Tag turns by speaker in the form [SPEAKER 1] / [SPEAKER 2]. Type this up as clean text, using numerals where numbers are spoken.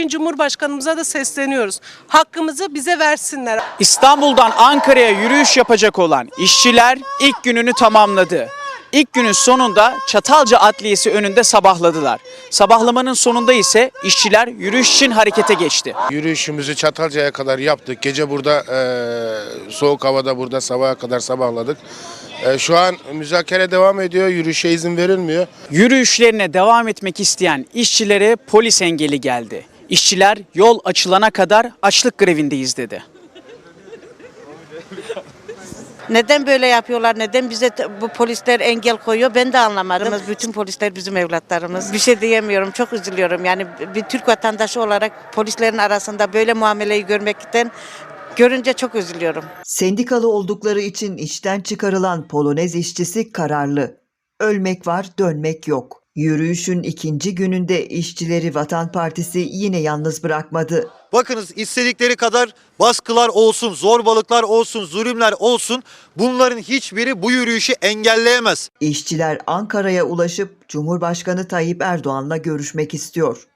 [SPEAKER 1] Sayın Cumhurbaşkanımıza da sesleniyoruz. Hakkımızı bize versinler.
[SPEAKER 2] İstanbul'dan Ankara'ya yürüyüş yapacak olan işçiler ilk gününü tamamladı. İlk günün sonunda Çatalca Adliyesi önünde sabahladılar. Sabahlamanın sonunda ise işçiler yürüyüş için harekete geçti.
[SPEAKER 3] Yürüyüşümüzü Çatalca'ya kadar yaptık. Gece burada soğuk havada burada sabaha kadar sabahladık. Şu an müzakere devam ediyor. Yürüyüşe izin verilmiyor.
[SPEAKER 2] Yürüyüşlerine devam etmek isteyen işçilere polis engeli geldi. İşçiler yol açılana kadar açlık grevindeyiz dedi.
[SPEAKER 4] Neden böyle yapıyorlar? Neden bize bu polisler engel koyuyor? Ben de anlamadım. Bütün polisler bizim evlatlarımız. Bir şey diyemiyorum. Çok üzülüyorum. Yani bir Türk vatandaşı olarak polislerin arasında böyle muameleyi görünce çok üzülüyorum.
[SPEAKER 5] Sendikalı oldukları için işten çıkarılan Polonez işçisi kararlı. Ölmek var, dönmek yok. Yürüyüşün ikinci gününde işçileri Vatan Partisi yine yalnız bırakmadı.
[SPEAKER 6] Bakınız istedikleri kadar baskılar olsun, zorbalıklar olsun, zulümler olsun, bunların hiçbiri bu yürüyüşü engelleyemez.
[SPEAKER 5] İşçiler Ankara'ya ulaşıp Cumhurbaşkanı Tayyip Erdoğan'la görüşmek istiyor.